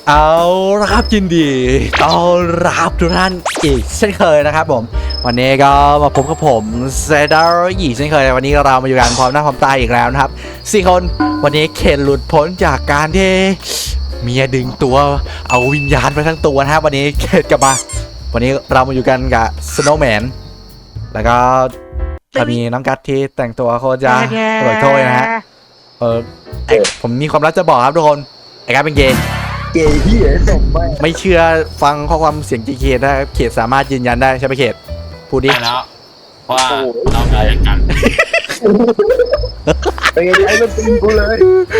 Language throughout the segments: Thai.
เอาละครับยินดีต้อนรับทุกท่านอีกเช่นเคยนะครับผมวันนี้ก็มาพบกับผมเซดาร์อีกเช่นเคยวันนี้เรามาอยู่กันพร้อมหน้าพร้อมตาอีกแล้วนะครับ4 คนวันนี้เคนหลุดพ้นจากการที่เมียดึงตัวเอาวิญญาณไปทั้งตัวนะครับวันนี้เคนกลับมาวันนี้เรามาอยู่กันกับสโนว์แมนแล้วก็จะมีน้องกัตที่แต่งตัวโคตรจะอร่อยโถ้วยนะฮะผมมีความลับจะบอกครับทุกคนไอ้กัตเป็นเกย์ที่ส่งไปไม่เชื่อฟังข้อความเสียงเขตได้เขตสามารถยืนยันได้ใช่ไหมเขตพูดดิได้แล้วเพราะว่าเราได้กันเป็นไงไอ้มันตีกูเลย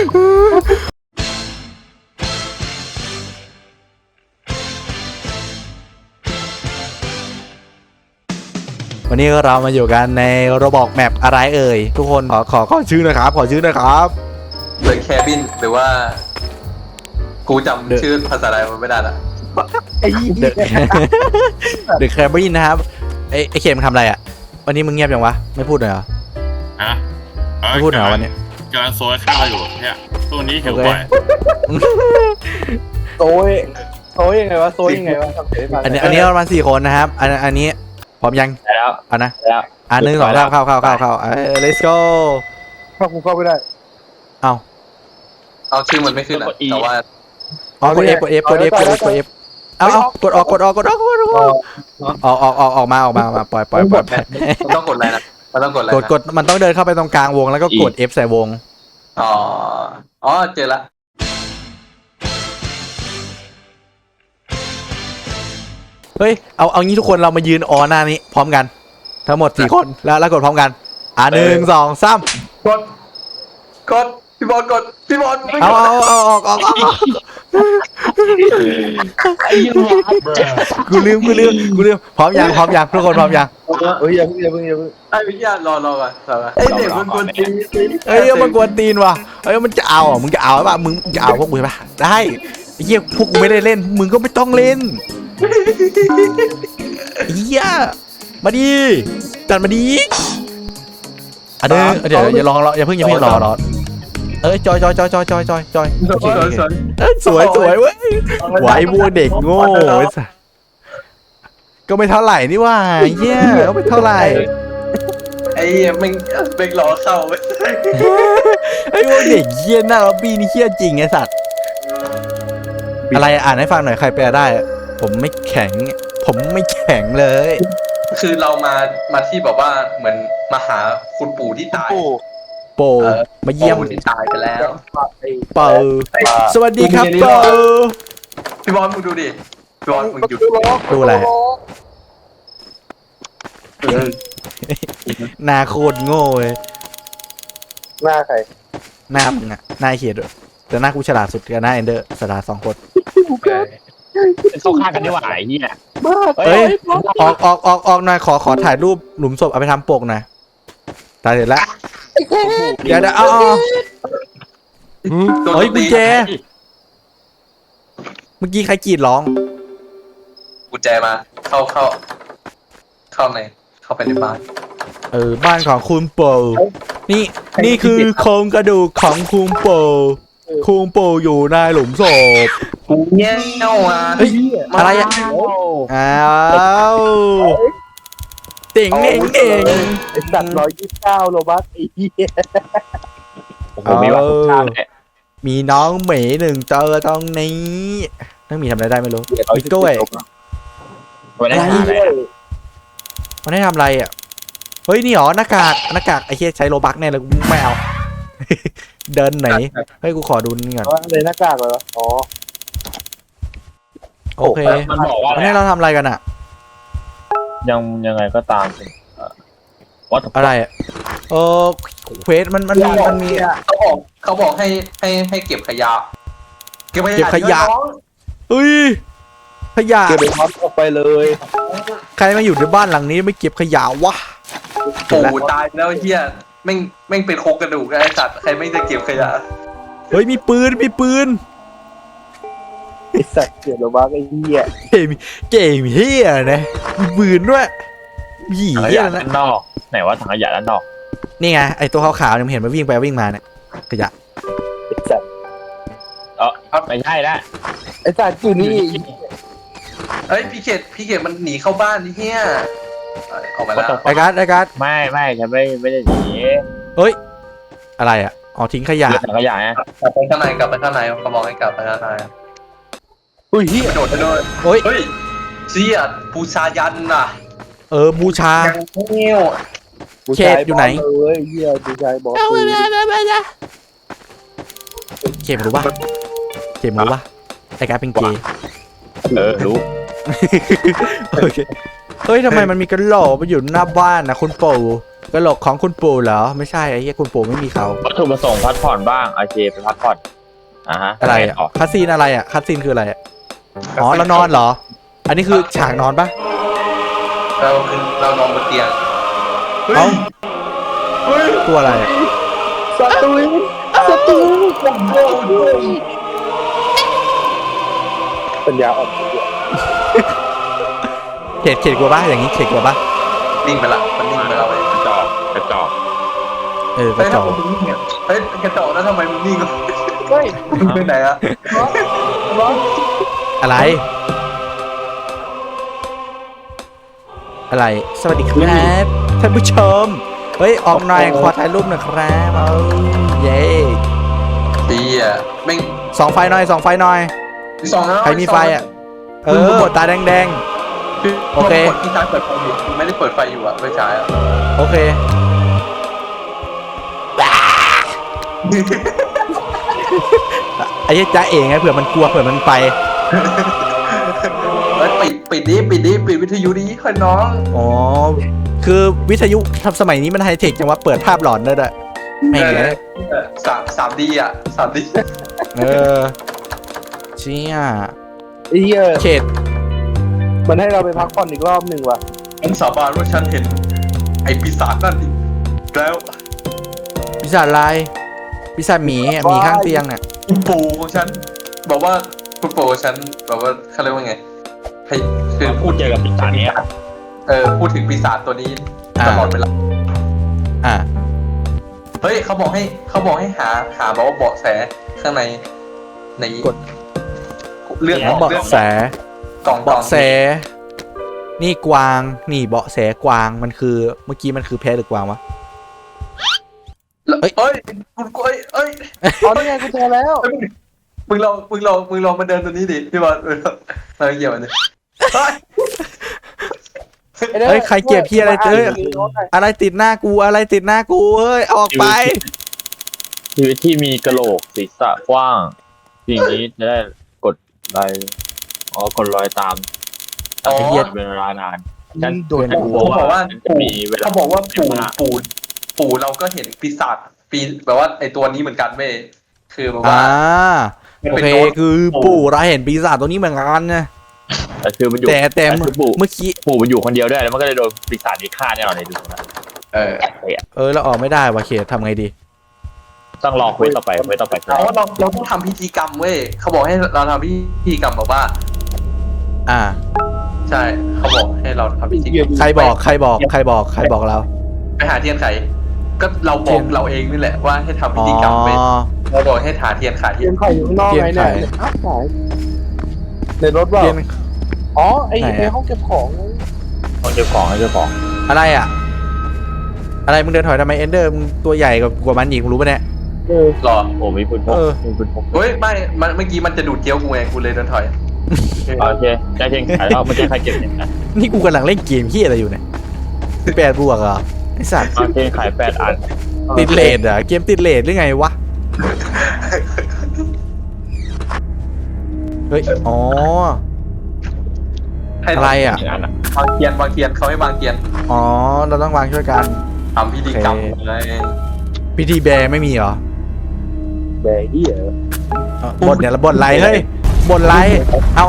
วันนี้เรามาอยู่กันในโรบอกแมปอะไรเอ่ยทุกคนขอชื่อนะครับขอชื่อนะครับเดอะแคบินหรือว่ากูจำชื่อภาษาไทยมันไม่ได้ละไอ้เดอะแครบินนะครับไอเขตมันทำอะไรอ่ะวันนี้มึงเงียบยังวะไม่พูดเลยเหรอฮะไม่พูดเหรอวันนี้กำลังโซยข้าวอยู่เนี่ยตัวนี้หิวบ่อยโซยยังไงวะโซยยังไงวะทำเสียงอันนี้ประมาณ4 คนนะครับอันนี้พร้อมยังแล้วเอานะแล้ว 1 2 3เข้าlet's go ถ้ากูเข้าไม่ได้เอาชื่อมันไม่ขึ้นอ่ะแต่ว่ากด F เอากดออกออกมาปล่อยมันต้องกดอะไรนะมันต้องกดอะไรนะกดมันต้องเดินเข้าไปตรงกลางวงแล้วก็กด F ใส่วงอ๋อเจอละเฮ้ยเอางี้ทุกคนเรามายืนหน้านี้พร้อมกันทั้งหมด4 คนแล้วกดพร้อมกัน1 2 3 กดพี่บอลกดพี่บอลไม่เอากดออกกูลืมพร้อมยังทุกคนพร้อมยังเฮ้ยอย่าเพิ่งไอ้วิทยารอก่อนไอ้เด็กมันกวนตีนเฮ้ยมันกวนตีนว่ะเฮ้ยมันจะเอาอ่ะมึงจะเอาป่ะมึงจะเอาพวกกูใช่ป่ะได้ไอ้เหี้ยพวกกูไม่ได้เล่นมึงก็ไม่ต้องเล่นเหี้ยมาดิจัดมาดิเดี๋ยวอย่ารออย่าเพิ่งรอจอยสวยเว้ยไหวบัวเด็กโง่ก็ไม่เท่าไหร่นี่ว่าเหี้ยก็ไม่เท่าไหร่ไอ้แม่งรอเข้าไปไอ้พวกเด็กเหี้ยหน้าล็อบบี้นี่เหี้ยจริงไอ้สัตว์อะไรอ่านให้ฟังหน่อยใครแปลได้ผมไม่แข็งเลยคือเรามาที่แบบว่าเหมือนมาหาคุณปู่ที่ตายโปมาเยี่ยมปู่ที่ตายไปแล้วเปาสวัสดีครับเปาพี่บอลมึงดูดิพี่บอลมึงหยุดดูอะไรหน้าโคตรโง่เลยหน้าใครหน้ามึงอะหน้าเขียดด้วยแต่หน้ากูฉลาดสุดกับหน้าเอนเดอร์ฉลาด2 คนเข้าข้างกันดีกว่าไอ้เนี่ยเฮ้ยออกหน่อยขอถ่ายรูปหลุมศพเอาไปทำปกหน่อยตายเสร็จแล้วเดี๋ยวเอาเฮ้ยกุญแจเมื่อกี้ใครกรีดร้องกุญแจมาเข้าไปในบ้านบ้านของคุณโปนี่คือโครงกระดูกของคุณโปอยู่ในหลุมศพเงี้ยอ่ะเฮ้ยอะไรอ่ะอ้าวเต่งเองไอ้สัตว์129โลบัสไอ้เหี้ยโอ้โหมีว่าข้าวเลยมีน้องหมี1 ตัวตรงนี้น้องหมีทำอะไรได้ไม่รู้มีกล้วยวันนี้หาอะไรมันได้ทำอะไรอ่ะเฮ้ยนี่หรอหน้ากากไอ้เหี้ยใช้โลบักแน่เลยกูไม่เอา เดินไหนเฮ้ยกูขอดูนี่ก่อนว่าเลยหน้ากากเลยวะอ๋อโอเคมันบอกว่าวันนี้เราทำอะไรกันอ่ะยังไงก็ตามวัดอะไรอ่ะเควสมันมีเขาบอกให้เก็บขยะเก็บขยะ เฮ้ยขยะเก็บไปพับออกไปเลยใครมาอยู่ในบ้านหลังนี้ไม่เก็บขยะวะปู่ตายแล้วเฮียแม่งเป็นโครงกระดูกไอ้สัตว์ใครไม่จะเก็บขยะเฮ้ยมีปืนไอ้สัตว์เก็บโลบัสไอ้เหี้ยเกมเฮียนะมีปืนด้วยผีถังขเฮียยะนะด้านนอกไหนว่าถังขยะด้านนอกนี่ไงไอตัวขาวๆเนี่ยมันเห็นมันวิ่งไปวิ่งมาเนี่ยขยะไอ้สัตว์ไม่ใช่ละไอ้อ้สัตว์อยู่นี่เฮ้ยพี่เขตมันหนีเข้าบ้านนี่เฮียออกมาแล้วไอ้การ์ดไม่ฉันไม่ได้หนีเฮ้ยอะไรอ่ะอ๋อทิ้งขยะเหลือถังขยะไงกลับไปข้างในเขาบอกให้กลับไปข้างในอุ้ยเฮียกระโดดเฮ้ยเฮ้ยเชี่ยปูชายันน่ะบูชายังเงี้ยวเขตอยู่ไหนเลยเฮียผู้ชายบอกปืนเข็มรู้ปะเข็มรู้ปะไอ้การ์ดเป็นเกย์รู้โอเคเฮ้ยทำไมมันมีกระโหลกมาอยู่หน้าบ้านนะคุณปู่กระโหลกของคุณปู่เหรอไม่ใช่ไอ้เหี้ยคุณปู่ไม่มีเขาวัตถุประสงค์พักผ่อนบ้างโอเคไปพักผ่อนฮะอะไรอ่ะคัสซีนอะไรอ่ะคัสซีนคืออะไรอ่ะอ๋อเรานอนเหรอ อันนี้คือฉากนอนปะเรานอนบนเตียงเอ้าตัวอะไรอะสตูนปัญญาอ่อนเข็ดกลัวปะอย่างนี้เข็ดกลัวปะนิ่งไปละมันนิ่งไปแล้วเว้ยกระจอกกระจเฮ้ยอกทำไมมึงนิ่งอ่ะเฮ้ยกระจอกแล้วทำไมมึงนิ่งอ่ะเฮ้ยมึงไปไหนอ่ะอะไรอะไรสวัสดีครับท่านผู้ชมเฮ้ยออกหน่อยขอถ่ายรูปหน่อยครับเอาเย้ดีอ่ะแม่งส่องไฟหน่อยส่องไฟหน่อยสองแล้วใครมีไฟอ่ะตาแดง โอเคกดที่ซ้ายเปิดไฟอยู่ไม่ได้เปิดไฟอยู่อ่ะไม่ใช่อ่ะๆโอเคไอ้เหี้ยจ้าเองไงเผื่อมันกลัวเผื่อมันไปเฮ้ยปิดวิทยุดีค่อยน้องอ๋อคือวิทยุทำสมัยนี้มันไฮเทคจังว่าเปิดภาพหลอนได้ด้วยไม่เงี้ย 3D อ่ะ 3D เออเชี่ยไอ้เฮียเขตมันให้เราไปพักผ่อนอีกรอบหนึ่งว่ะฉันสาบานว่าฉันเห็นไอ้ปีศาจนั่นอีกแล้วปีศาจลายปีศาจหมีอะหมีข้างเตียงอ่ะคุณปู่ของฉันบอกว่าคุณปู่ของฉันบอกว่าเขาเรียกว่าไงให้คือพูดเจอกับปีศาจเนี้ยพูดถึงปีศาจตัวนี้ตลอดเวลาอ่ะเฮ้ยเขาบอกให้หาบอกว่าเบาะแสข้างในกดเรื่องเบาะแสกล่องเบาะแสนี่กวางนี่เบาะแสกวางมันคือเมื่อกี้มันคือแพะหรือกวางวะเอ้ยคุณเอ้ยอ๋อนี่ไงกูเจอแล้วมึงลองมาเดินตัวนี้ดิพี่บอลเราเหยียบมันดิเฮ้ยใครเก็บพี่อะไรเจออะไรติดหน้ากูอะไรติดหน้ากูเอ้ยออกไปชีวิตที่มีกระโหลกศีรษะกว้างสิ่งนี้จะได้กดรอยกดรอยตามเป็นเวลานานฉันโดนกลัวว่าจะมีเวลาเขาบอกว่าปู่เราก็เห็นปีศาจแบบว่าไอตัวนี้เหมือนกันเว้ยคือแบบว่าโอเคคือปู่เราเห็นปีศาจตัวนี้เหมือนกันนะแต่คือมันอยู่แต่ปู่เมื่อกี้ปู่มันอยู่คนเดียวด้วยแล้วมันก็เลยโดนปีศาจนี้ฆ่าแน่นอนเลยดูนะเราออกไม่ได้ว่ะเขตทำไงดีต้องรอคุยต่อไปเราต้องทำพิธีกรรมเว้ยเขาบอกให้เราทำพิธีกรรมแบบว่าอ่าใช่เขาบอกให้เราทำพิธีกรรมใครบอกเราไปหาเทียนไขก็เราบอกเราเองนี่แหละว่าให้ทำพิธีกรรมไปเราบอกให้หาเทียนไขเทียนไข่อยู่ข้างนอกไงเนี่ยอ้าวขายในรถว่าอ๋อไอ้ในห้องเก็บของต้องเจ้าของให้เจ้าของอะไรอ่ะ อะไรมึงเดินถอยทำไมเอนเดอร์มึงตัวใหญ่กว่ามันอีกมึงรู้ปะเนี่ยหรอโอ้มีปืนพกมีปืนพกเฮ้ยไม่เมื่อกี้มันจะดูดเกี้ยวกูไงกูเลยเดินถอยโอเคได้เพียงขายแล้วไม่ใช่ใครเก็บเนี่ยนะนี่กูกำลังเล่นเกมที่อะไรอยู่เนี่ย8 บวกเหรอไอสัตว์โอเคขาย8 อันติดเลทอ่ะเกมติดเลทหรือไงวะเฮ้ยอ๋ออะไรอ่ะวางเทียนเขาให้วางเทียนอ๋อเราต้องวางช่วยกันทำพิธีกรรมอะไรพิธีแบร์ไม่มีเหรอแบร์เฮียบทเนี่ยละบทไรเฮ้ยบทไรเอา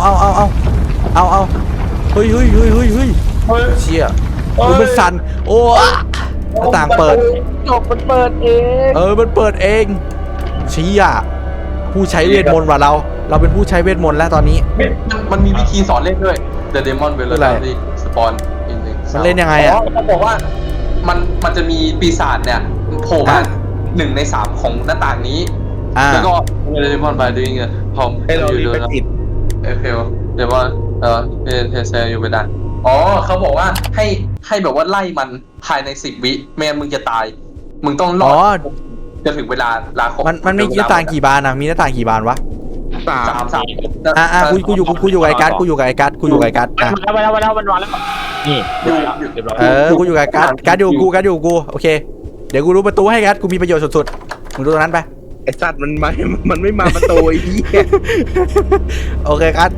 เฮ้ยเชี่ยดูมันสั่นโอ้หน้าต่างเปิดจบมันเปิดเองมันเปิดเองเชี่ยผู้ใช้เวทมนต์ว่ะเราเป็นผู้ใช้เวทมนต์แล้วตอนนี้มันมีวิธีสอนเล่นด้วย The Demon v e l o c i t y Spawn มันเล่นยังไงอ่ะเขาบอกว่ามันจะมีปีศาจเนี่ยโผล่มา1 ใน 3ของหน้าต่างนี้แล้วก็ The Demon by doing พร้อมให้เรารีบไปติดเพลเดี๋ยวว่าเทเซอยู่ไม่ได้อ๋อเขาบอกว่าให้แบบว่าไล่มันภายใน10 วิไม่งั้นมึงจะตายมึงต้องรอดจะถึงเวลาลาครบมันมีหน้าต่างกี่บานอ่ะมีหน้าต่างกี่บานวะ 3 กูอยู่กับไอ้กัสกูอยู่กับไอ้กัสอ่ะมันมาแล้วนี่เรียบร้อยกูอยู่กับไอ้กัสอยู่กูโอเคเดี๋ยวกูรู้ประตูให้กัสกูมีประโยชน์สุดๆมึงดูตรงนั้นไปไอสัตว์มันไม่มาประตูไอ้เหี้ยโอเคกัส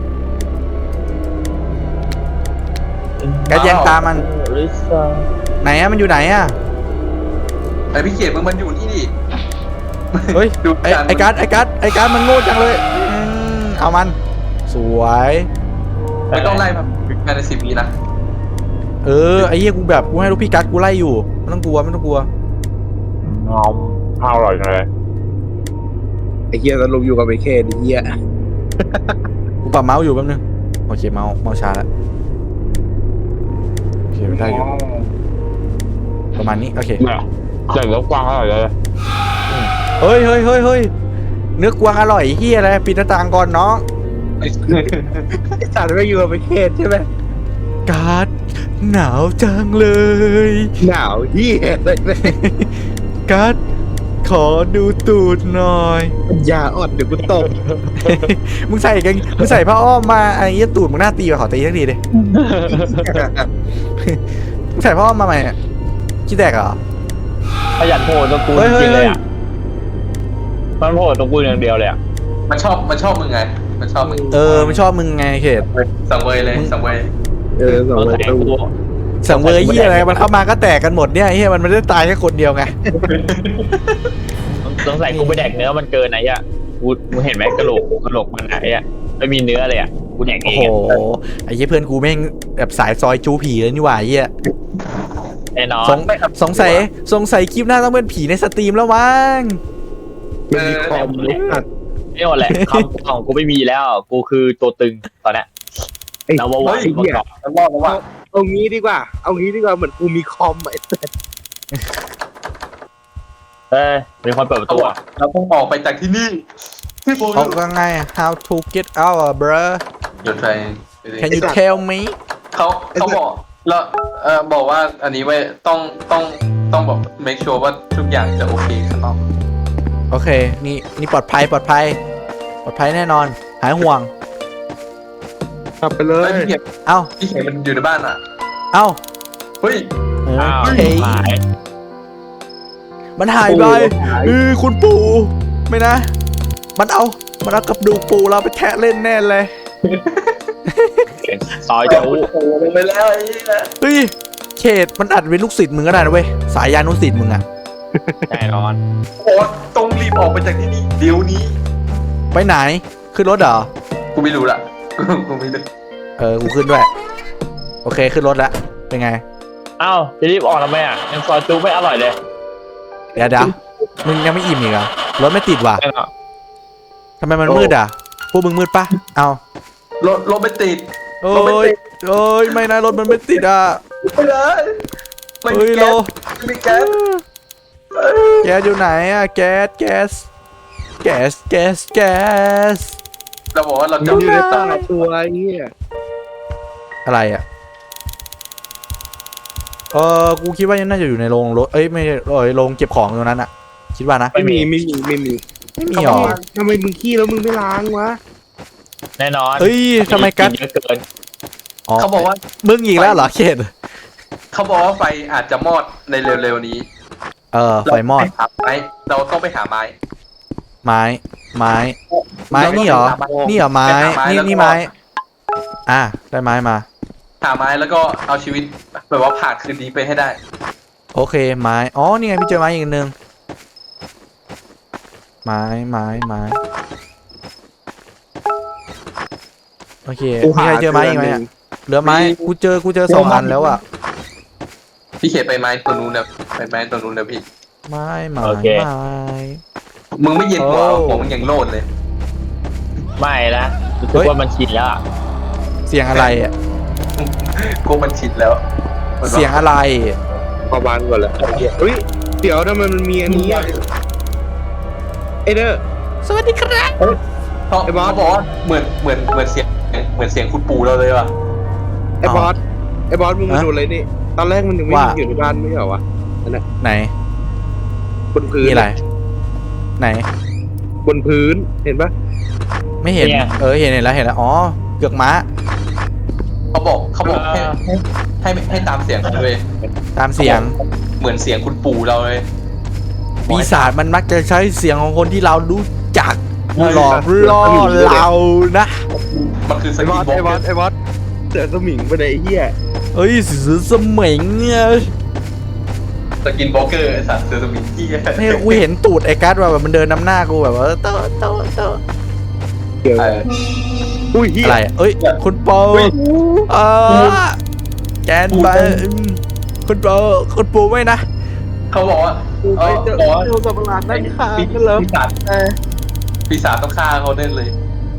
แย่งตามมันไหนอะมันอยู่ไหนอะไอพี่เขียนมึงมันอยู่นี่ดิเฮ้ยไอ้กัสมันโง่จังเลยเอามันสวยไม่ต้องไล่ภายใน10 วินะไอ้เหี้ยกูแบบกูให้ลูกพี่กัสกูไล่อยู่ไม่ต้องกลัวงอมข้าวอร่อยเลยไอ้เหี้ยสรุปอยู่กับไอ้เคไอ้เหี้ยกูปรับเมาส์อยู่แป๊บนึงโอเคเมาส์ช้าแล้วโอเคได้อยู่ประมาณนี้โอเคเนี่ยใส่แล้วกวางอร่อยเลยเฮ้ยเนื้อกวางอร่อยเฮียอะไรปิดหน้าต่างก่อนน้องไอ้สัตว์ไม่อยู่กับไอ้เคใช่ไหมการ์ดหนาวจังเลยหนาวเหี้ยเลยการ์ดขอดูตูดหน่อยอย่าอ่อนเดี๋ยวกูตบมึงใส่ผ้าอ้อมมาไอ้เหี้ยตูดมึงหน้าตีมาขอตีสักทีดิมึงใส่ผ้าอ้อมมาใหม่คิดแตกเหรอขยันโผล่ตรงกูจริงเลยอ่ะมันโผล่ตรงกูอย่างเดียวเลยอ่ะมันชอบมึงไงมันชอบมึงมันชอบมึงไงเขตสังเวยเลยสังเวยสองต้องประใส่ตูกูสังเวยเฮียอะไรมันเข้ามาก็แตกกันหมดเนี่ยเฮียมันไม่ได้ตายแค่คนเดียวไงต้องใส่กูไปแดกเนื้อมันเกินไหนอ่ะกูเห็นไหมกระโหลกมันไหนอ่ะไม่มีเนื้อเลยอ่ะกูแดกเอโอ้งโหไอ้เหี้ยเพื่อนกูแม่งแบบสายซอยจูผีเลยนี่หว่าไอ้เหี้ยแน่นอนสงสัยคลิปหน้าต้องเป็นผีในสตรีมแล้วมั้งมันมีคอมเลยสัตว์นี่หมดแหละคำของกูไม่มีแล้วกูคือตัวตึงตอนเนี้ยไอ้เราว่าวันไอ้เหี้ยแล้วรอดแล้วว่าเอางี้ดีกว่าเหมือนกูมีคอมไอ้สัตว์มีคนเปิดประตูอ่ะเราต้องออกไปจากที่นี่ที่โบเขาก็ไง how to get out bro เดี๋ยวใคร can you tell me เขาบอกแล้วบอกว่าอันนี้ไว้ต้องบอก make sure ว่าทุกอย่างจะโอเคข้างนอกโอเคนี่ปลอดภัยแน่นอนหายห่วงกลับไปเลยเอ้าพี่เขียนมันอยู่ในบ้านอ่ะเอ้าเฮ้ยอ้าวเฮ้ยหายมันหายไปคุณปู่ไม่นะ มันเอากับดูกปู่เราไปแทะเล่นแน่เลยซอยโอ้จูโหลงไปแล้วไอ้นี่นะเฮ้ยเขตมันอัดเป็นลูกศิษย์มึงก็ได้นะเว้ยสายยานุศิษย์มึงอะแน่นอนโอ้ต้องรีบออกไปจากที่นี่เดี๋ยวนี้ไปไหนขึ้นรถเหรอกูไม่รู้ละกูไม่รู้กูขึ้นด้วยโอเคขึ้นรถแล้วเป็นไงอ้าวจะรีบออกทำไมอ่ะยังซอยจูไม่อร่อยเลยเดี๋ยวมึงยังไม่อิ่มอีกเหรอรถไม่ติดว่ะแน่นอนทำไมมันมืดอ่ะพวกมึงมืดปะเอารถไม่ติดโอ้ยไม่นะรถมันไม่ติดอ่ะไปเลยไม่เฮ้มียแก๊โลสไม่มีแก๊สแก๊สอยู่ไหนอ่ะแก๊สเราบอกว่าเรามันจะอยู่ในใต้ตัวไอ้เหี้ยอะไรอ่ะกูคิดว่ายังน่าจะอยู่ในโรงรถไม่โรงเก็บของตรงนั้นอ่ะคิดว่านะไม่มีไม่มีหรอทำไมมึงขี้แล้วมึงไม่ล้างวะแน่นอนเฮ้ยทำไมกัสเยอะเกินเขาบอกว่ามึงอีกแล้วเหรอเขตเขาบอกว่าไฟอาจจะมอดในเร็วๆนี้ไฟมอดเราต้องไปหาไม้ไม้นี่เหรอนี่เหรอไม้นี่ไม้ได้ไม้มาหาไม้แล้วก็เอาชีวิตแบบว่าผ่านคืนนี้ไปให้ได้โอเคไม้นี่ไงพี่เจอไม้อีกนึงไม้โอเคมีใครเจอไม้อีกไหมอะเหลือไม้กูเจอ2 อันแล้วอ่ะพี่เขตไปไม้ตัวนู้นนะไปไม้ตัวนู้นนะพี่ไม้มึงไม่เย็นหัวหัวมึงยังโลดเลยไม่นะรู้สึกว่ามันชินแล้วอะเสียงอะไรอ่ะกูมันชิดแล้วเสียงอะไรพอบานก่อนแล้วเฮ้ยเดี๋ยวทำไมมันมีอันนี้อะไอเด้อสวัสดีครับเขาบอกว่าเหมือนเสียงคุณปู่เราเลยว่ะไอ้บอสมึงมาดูอะไรนี่ตอนแรกมันยังไม่อยู่ในบ้านไม่ใช่เหรอวะนั่นแหละไหนบนพื้นมีอะไรไหนบนพื้นเห็นปะไม่เห็นเห็นแล้วอ๋อเกือกม้าเขาบอกให้ตามเสียงเขาเลยตามเสียงเหมือนเสียงคุณปู่เราเลยปีศาจมันมักจะใช้เสียงของคนที่เรารู้จักหลอกล่อเรานะมันคือสไอ้บกิอนสบ็อกไอ้บอสไอ้บอสเสือสมิงไปไหนไอ้เหี้ยเอ้ยเสือสมิงเนี่ยสกินบ็อกเกอร์ไอ้สัตว์เซอร์สมิงที่นี่กูเห็นตูดไอ้กัสว่าแบบมันเดินนำหน้ากูแบบว่าโตเกี่ยวอุ้ยเหี้ยอะไรเอ้ยคุณโปแกนไปคุณโปไม่นะเขาบอกว่าเอ้ยเจ้าสัมภาระนั่งข้างกันเลยปีศาจต้องฆ่าเขาแน่เลย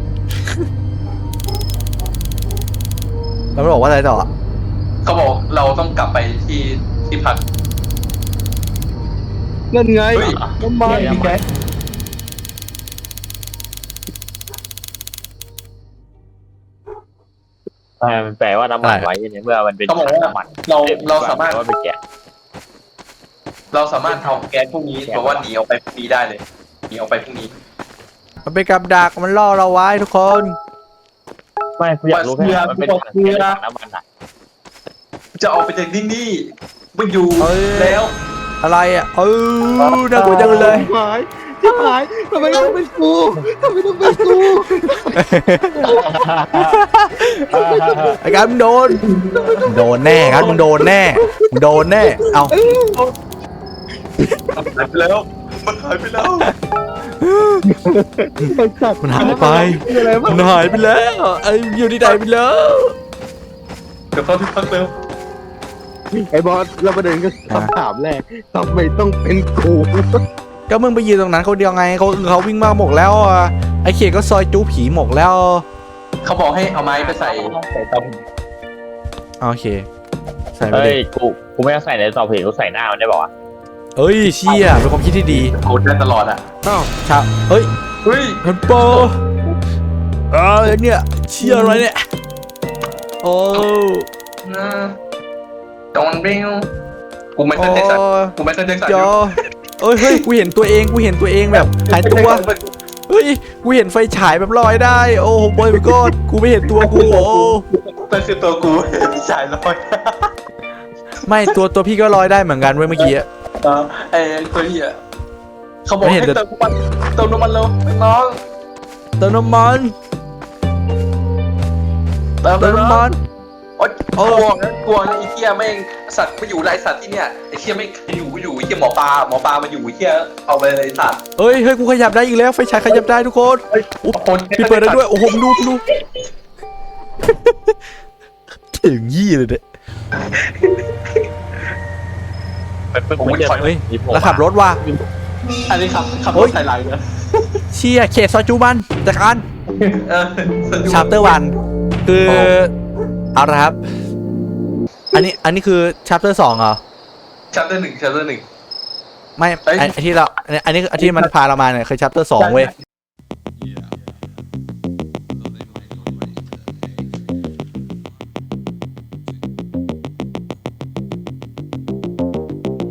แล้วมันบอกว่าอะไรต่อเขาบอกเราต้องกลับไปที่พักนั่นไงเฮ้ยน้ำมันพี่แกมันแปลว่าน้ำมันไว้เนี่ยเมื่อมันเป็นเขาบอกว่าน้ำมันเราสามารถว่าเป็นแกะเราสามารถเอาแก๊สพวกนี้บอกว่าหนีออกไปพรุ่งนี้ได้เลยหนีออกไปพรุ่งนี้มันเป็นกับดักมันล่อเราไว้ทุกคนไม่กูอยากรู้แค่มันเป็นถังน้ำมันอ่ะจะออกไปจากที่นี่ไม่อยู่เอ้ยแล้วอะไรอ่ะน่ากลัวจังเลยชิบหายทำไมต้องเป็นกูทำไมต้องเป็นกูไอ้กัสมึงโดนแน่กัสมึงโดนแน่เอาหายไปแล้วมันหายไปแล้วไอ้สัตว์มันหายไปอะไรวะมันหายไปแล้วไอ้อยู่ที่ไหนไปแล้วเดี๋ยวเข้าที่พักเร็วไอ้บอสเราประเด็นก็คำถามแรกทำไมต้องเป็นกูก็มึงไปยืนตรงนั้นเขาเดียวไงเขาวิ่งมาหมกแล้วไอ้เขตก็ซอยจูผีหมกแล้วเขาบอกให้เอาไม้ไปใส่เตาโอเคใส่ไปเฮ้เลย ยกูไม่ต้องใส่ในต่อเพลงกูใส่หน้ามันได้ป่าวะเอ้ยเชี่ยเป็นความคิดที่ดีโคตรได้ตลอดอ่ะอ้าวชาเอ้ยเฮ้ยคุณโปเนี่ยเชี่ยอะไรเนี่ยโอ้จอนเบลกูไม่เคยเทสันกูไม่เคยเทสันจอเอ้ยเฮ้ยกูเห็นตัวเองแบบหายตัวเฮ้ยกูเห็นไฟฉายแบบลอยได้โอ้โหบอยก็กูไม่เห็นตัวกูโอ้นั่นคือตัวกูพี่ชายลอยไม่ตัวพี่ก็ลอยได้เหมือนกันเว้ยเมื่อกี้ไอ้ตัวนี้อ่ะเขาบอกให้เติมน้ำมันเร็วน้องเติมน้ำมันเติมเติมน้ำมันโอ๊ยกลัวไอ้เหี้ยแม่งสัตว์ไม่อยู่ไรสัตว์ที่เนี่ยไอ้เหี้ยไม่อยู่ไอ้เหี้ยหมอปลามาอยู่ไอ้เหี้ยเอาไปเลยสัตว์เฮ้ยกูขยับได้อีกแล้วไฟฉายขยับได้ทุกคนคนพี่เปิดได้ด้วยโอ้โหดูถึงยี่เลยเนี่ย เฮ้ยแล้วขับรถว่ะอันนี้ขับรถใส่ไหลเลยเชี่ยเขตซอยจูบันจากการ ชาร์เตอร์วันคือเอาละครับอันนี้คือชาร์เตอร์2เหรอชัปเตอร์ 1 ไม่ไอที่เราอันนี้ที่มันพาเรามาเนี่ยคือชาร์เตอร์2เว้ย